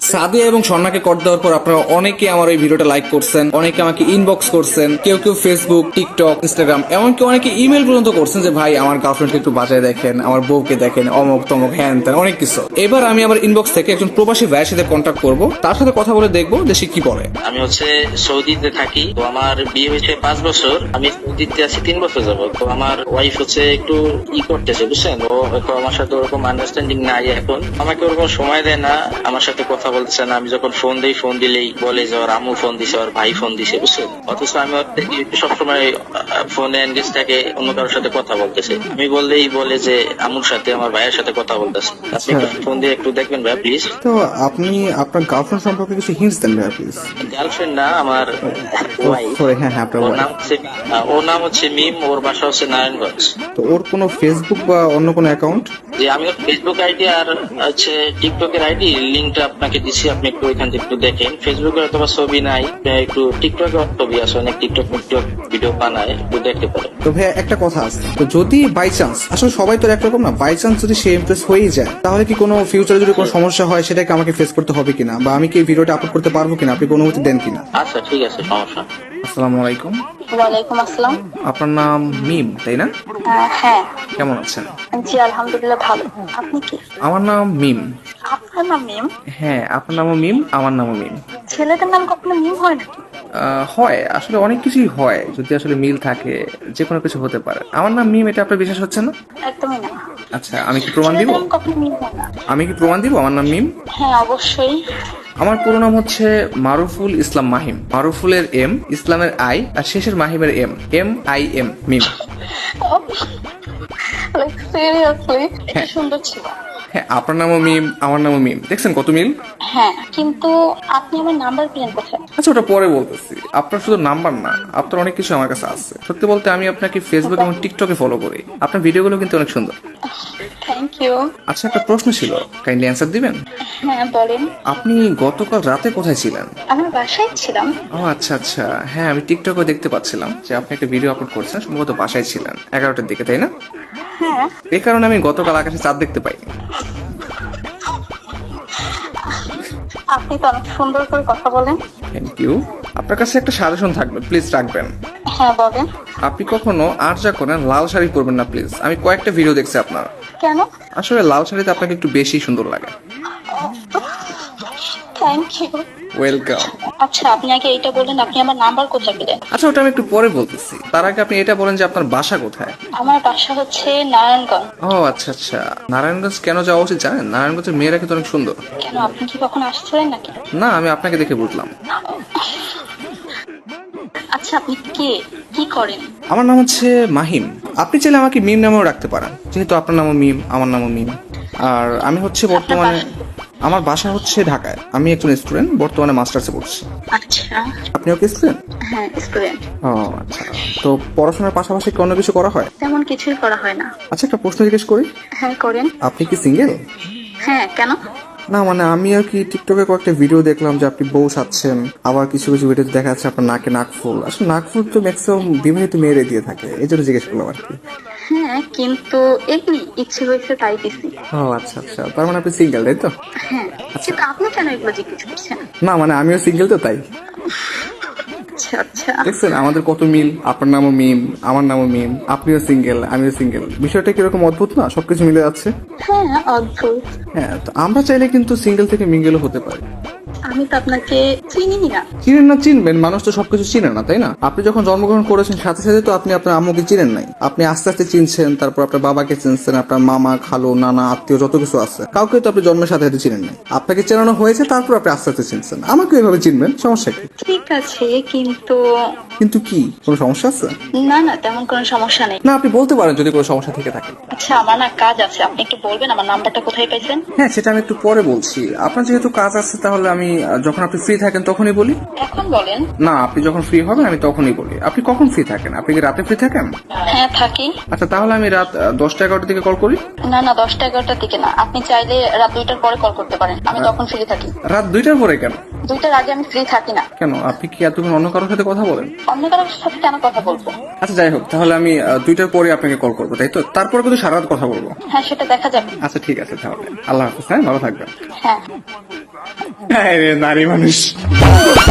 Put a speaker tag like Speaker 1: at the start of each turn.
Speaker 1: সাদিয়া এবং স্বর্ণাকে কর দেওয়ার পর আপনারা অনেকে আমার এই ভিডিওটা লাইক করছেন, অনেকে আমাকে ইনবক্স করছেন, কেউ কেউ ফেসবুক, টিকটক, ইনস্টাগ্রাম, এমনকি অনেকে ইমেল পর্যন্ত করছেন যে ভাই আমার গার্লফ্রেন্ডকে একটু বাজায় দেখেন, আমার বউকে দেখেন, অমক তমক হ্যান ত্যান অনেক কিছু। এবার আমি আমার ইনবক্স থেকে একজন প্রবাসী ভাইয়ের সাথে কন্ট্যাক্ট করব, তার সাথে কথা বলে দেখবো যে সে কি বলে।
Speaker 2: আমি সৌদিতে থাকি, তো আমার বিয়ে হয়েছে 5 বছর, আমি সৌদিতে আছি 3 বছর যাব। তো আমার ওয়াইফ একটু করতেছে, বুঝছেন, ও আমার সাথে ওরকম আন্ডারস্ট্যান্ডিং নাই এখন, আমাকে ওরকম সময় দেয় না, আমার সাথে কথা বলতেছে না। আমি যখন ফোন দিই, ফোন দিলেই বলে যে ওর আম্মু ফোন দিছে, ওর ভাই ফোন দিছে, বুঝছেন। অথচ আমি সবসময় ফোনে এনগেজ থাকে, অন্য কারোর সাথে কথা বলতেছে। আমি বললেই বলে যে আম্মুর সাথে, আমার ভাইয়ের সাথে কথা বলতেছে। আপনি ফোন দিয়ে একটু দেখবেন ভাই প্লিজ।
Speaker 1: তো আপনি আপনার গার্লফ্রেন্ড সম্পর্কে কিছু হিন্টস দেন ভাই প্লিজ।
Speaker 2: গার্লফ্রেন্ড না, আমার ওয়াইফ। ওর নাম হচ্ছে মিম, ওর বাসা হচ্ছে নারায়ণগঞ্জ।
Speaker 1: তো ওর কোনো ফেসবুক বা অন্য কোনো অ্যাকাউন্ট?
Speaker 2: যে আমি ওর ফেসবুক আইডি আর টিকটকের আইডি লিঙ্কটা আপনাকে দিচ্ছি, আপনি একটু ওইখান থেকে একটু দেখেন। ফেসবুকে হয়তো ছবি নাই, একটু টিকটকে ছবি আছে, অনেক টিকটক ভিডিও বানায়, একটু দেখতে পারেন।
Speaker 1: তো ভাই একটা কথা আছে, তো যদি বাই চান্স, আসলে সবাই তো একরকম না, বাই চান্স যদি সে ইমপ্রেস হয়েই যায়, তাহলে কি কোনো ফিউচারে যদি কোনো সমস্যা হয় সেটাকে আমাকে ফেস করতে হবে কিনা, বা আমি কি এই ভিডিওটা আপলোড করতে পারবো কিনা, আপনি কোনো অনুমতি দেন কিনা?
Speaker 2: আচ্ছা ঠিক আছে, সমস্যা।
Speaker 1: আসসালামু আলাইকুম।
Speaker 3: ওয়ালাইকুম আসসালাম।
Speaker 1: আপনার নাম মিম, তাই না?
Speaker 3: হ্যাঁ।
Speaker 1: কেমন আছেন?
Speaker 3: জি আলহামদুলিল্লাহ ভালো। আপনি কি?
Speaker 1: আমার নাম মিম।
Speaker 3: আপনার নাম মিম?
Speaker 1: হ্যাঁ, আপনার নামও মিম, আমার নামও মিম।
Speaker 3: ছেলেদের নাম কখনো মিম হয় নাকি?
Speaker 1: হয়, আসলে অনেক কিছুই হয়, যদি আসলে মিল থাকে যে কোনো কিছু হতে পারে। আমার নাম মিম, এটা আপনার বিশ্বাস হচ্ছে না?
Speaker 3: একদমই না।
Speaker 1: আচ্ছা, আমি কি প্রমাণ দিব?
Speaker 3: ছেলেদের নাম কখনো মিম হয় না।
Speaker 1: আমি কি প্রমাণ দিব আমার নাম মিম?
Speaker 3: হ্যাঁ অবশ্যই।
Speaker 1: আমার পুরো নাম হচ্ছে মারুফুল ইসলাম মাহিম। মারুফুলের এম, ইসলামের আই, আর শেষের মাহিমের এম, MIM, মিম।
Speaker 3: সিরিয়াসলি এটা সুন্দর ছিল।
Speaker 1: হ্যাঁ, আপনার নামও মিম, আমার নামও মিম, দেখছেন কত মিল।
Speaker 3: হ্যাঁ কিন্তু আপনি আমার নাম্বার পেলেন কোথায়?
Speaker 1: আচ্ছা, ওটা পরে বলতেছি। আপনার শুধু নাম্বার না, আপনার অনেক কিছু আমার কাছে আছে। সত্যি বলতে আমি আপনাকে ফেসবুক এবং টিকটকে ফলো করি, আপনার ভিডিওগুলো কিন্তু অনেক সুন্দর।
Speaker 3: Thank you.
Speaker 1: আচ্ছা, একটা প্রশ্ন ছিল, কাইন্ডলি অ্যান্সার দিবেন?
Speaker 3: হ্যাঁ বলেন।
Speaker 1: আপনি গতকাল রাতে কোথায় ছিলেন?
Speaker 3: আমার বাসায় ছিলাম।
Speaker 1: ও আচ্ছা আচ্ছা, হ্যাঁ আমি টিকটকে দেখতে পাচ্ছিলাম যে আপনি একটা ভিডিও আপলোড করছেন, সম্ভবত বাসায় ছিলেন 11টার দিকে, তাই না?
Speaker 3: হ্যাঁ।
Speaker 1: এই কারণে আমি গতকাল আকাশে চাঁদ দেখতে পাইনি।
Speaker 3: আপনি তো অনেক সুন্দর করে কথা বলেন।
Speaker 1: Thank you. আপনার কাছে একটা সাজেশন থাকবে, প্লিজ রাখবেন।
Speaker 3: হ্যাঁ বলেন।
Speaker 1: আপনি কখনো আর যা করেন লাল শাড়ি পরবেন না প্লিজ। আমি কয়েকটা ভিডিও দেখছি আপনার,
Speaker 3: কেন?
Speaker 1: আসলে লাল শাড়িতে আপনাকে একটু বেশি সুন্দর লাগে।
Speaker 3: Thank you.
Speaker 1: ওয়েলকাম।
Speaker 3: আচ্ছা আপনি আগে এইটা বলেন, আপনি আমার নাম্বার কোথায় পেলেন?
Speaker 1: আচ্ছা, ওটা আমি একটু পরে বলতেছি, তার আগে আপনি এটা বলেন যে আপনার বাসা কোথায়?
Speaker 3: আমার বাসা হচ্ছে নারায়ণগঞ্জ।
Speaker 1: ও আচ্ছা আচ্ছা, নারায়ণগঞ্জ কেন যাওয়া উচিত জানেন? নারায়ণগঞ্জের মেয়েরা কিন্তু অনেক সুন্দর।
Speaker 3: কেন, আপনি কি কখনো আসছিলেন নাকি?
Speaker 1: না, আমি আপনাকে দেখে বুঝলাম।
Speaker 3: আচ্ছা আপনি কে, কি করেন?
Speaker 1: আমার নাম হচ্ছে মাহিম। আপনি চাইলে আমাকে মিম নামেও রাখতে পারেন, যেহেতু আপনার নামও মিম, আমার নামও মিম। আর আমি হচ্ছে বর্তমানে, আমার বাসা হচ্ছে ঢাকায়। আমি একজন স্টুডেন্ট, বর্তমানে মাস্টার্সে পড়ছি।
Speaker 3: আচ্ছা।
Speaker 1: আপনিও কি স্টুডেন্ট?
Speaker 3: হ্যাঁ স্টুডেন্ট।
Speaker 1: ও আচ্ছা, তো পড়াশোনার পাশাপাশি কি অন্য কিছু করা হয়?
Speaker 3: তেমন কিছুই করা হয় না।
Speaker 1: আচ্ছা, একটা প্রশ্ন জিজ্ঞেস করি।
Speaker 3: হ্যাঁ করেন।
Speaker 1: আপনি কি সিঙ্গেল?
Speaker 3: হ্যাঁ কেন?
Speaker 1: না মানে আমি আর কি টিকটকে কয়েকটা ভিডিও দেখলাম যে আপনি বউ সাচ্ছেন, আবার কিছু কিছু ভিডিওতে দেখা যাচ্ছে আপনার নাকে নাকফুল। আসলে নাকফুল তো ম্যাক্সিমাম বিবাহিত মেয়েরে দিয়ে থাকে, এই জন্য জিজ্ঞেস করলাম আর কি।
Speaker 3: হ্যাঁ কিন্তু এমনি ইচ্ছে হয়েছে তাই দিছি।
Speaker 1: ও আচ্ছা আচ্ছা, তার মানে আপনি সিঙ্গেল, তাই তো?
Speaker 3: হ্যাঁ কিন্তু আপনি কেন এগুলো জিজ্ঞেস করছেন?
Speaker 1: না মানে আমিও সিঙ্গেল তো, তাই।
Speaker 3: আচ্ছা আচ্ছা।
Speaker 1: দেখছেন আমাদের কত মিল, আপনার নামও মিম, আমার নামও মিম, আপনিও সিঙ্গেল, আমিও সিঙ্গেল। বিষয়টা কিরকম অদ্ভুত না, সবকিছু মিলে যাচ্ছে।
Speaker 3: হ্যাঁ অদ্ভুত।
Speaker 1: হ্যাঁ, তো আমরা চাইলে কিন্তু সিঙ্গেল থেকে মিঙ্গেলও হতে পারি।
Speaker 3: আমি তো আপনাকে চিনি না।
Speaker 1: চিনেন না, চিনবেন, মানুষ তো সবকিছু চিনে না, তাই না? আপনি যখন জন্মগ্রহণ করেছেন সাথে সাথে তো আপনি আপনার আম্মুকে চিনেন নাই, আপনি আস্তে আস্তে চিনছেন, তারপর আপনার বাবাকে চিনছেন, আপনার মামা, খালু, নানা, আত্মীয় যত কিছু আছে, কাউকে তো আপনি জন্মের সাথে সাথে চিনেন নাই। আপনাকে চেনানো হয়েছে, তারপর আপনি আস্তে আস্তে চিনছেন। আমাকে এইভাবে চিনবেন, সমস্যা কি?
Speaker 3: ঠিক আছে কিন্তু।
Speaker 1: কিন্তু কি, কোনো সমস্যা আছে?
Speaker 3: না না তেমন কোনো সমস্যা নেই।
Speaker 1: না, আপনি বলতে পারেন যদি কোনো সমস্যা থেকে থাকে।
Speaker 3: আচ্ছা আমার না কাজ আছে, আপনি একটু বলবেন আমার নাম্বারটা কোথায় পাইছেন?
Speaker 1: হ্যাঁ, সেটা আমি একটু পরে বলছি। আপনার যেহেতু কাজ আছে, তাহলে আমি যখন আপনি ফ্রি থাকেন তখনই বলি?
Speaker 3: এখন বলেন।
Speaker 1: না, আপনি যখন ফ্রি হবেন আমি তখনই বলি। আপনি কখন ফ্রি থাকেন? আপনি কি রাতে ফ্রি থাকেন?
Speaker 3: হ্যাঁ থাকি।
Speaker 1: আচ্ছা, তাহলে আমি রাত 10টা-11টার দিকে কল করি।
Speaker 3: না না, 10টা-11টার দিকে না, আপনি চাইলে রাত 2টার পরে কল করতে পারেন, আমি তখন ফ্রি থাকি।
Speaker 1: রাত 2টার পরে কেন?
Speaker 3: 2টার আগে আমি ফ্রি থাকি না।
Speaker 1: কেন, আপনি কি এতক্ষণ অন্য কারোর সাথে কথা বলেন?
Speaker 3: অন্য কারোর সাথে কেন কথা বলবো?
Speaker 1: আচ্ছা যাই হোক, তাহলে আমি 2টার পরে আপনাকে কল করবো, তাই তো? তারপরে কিন্তু সারা রাত কথা বলবো।
Speaker 3: হ্যাঁ সেটা দেখা যাবে।
Speaker 1: আচ্ছা ঠিক আছে, তাহলে আল্লাহ হাফিজ। হ্যাঁ, ভালো থাকবেন।
Speaker 3: হ্যাঁ।
Speaker 1: হ্যাঁ রে, নারী মানুষ।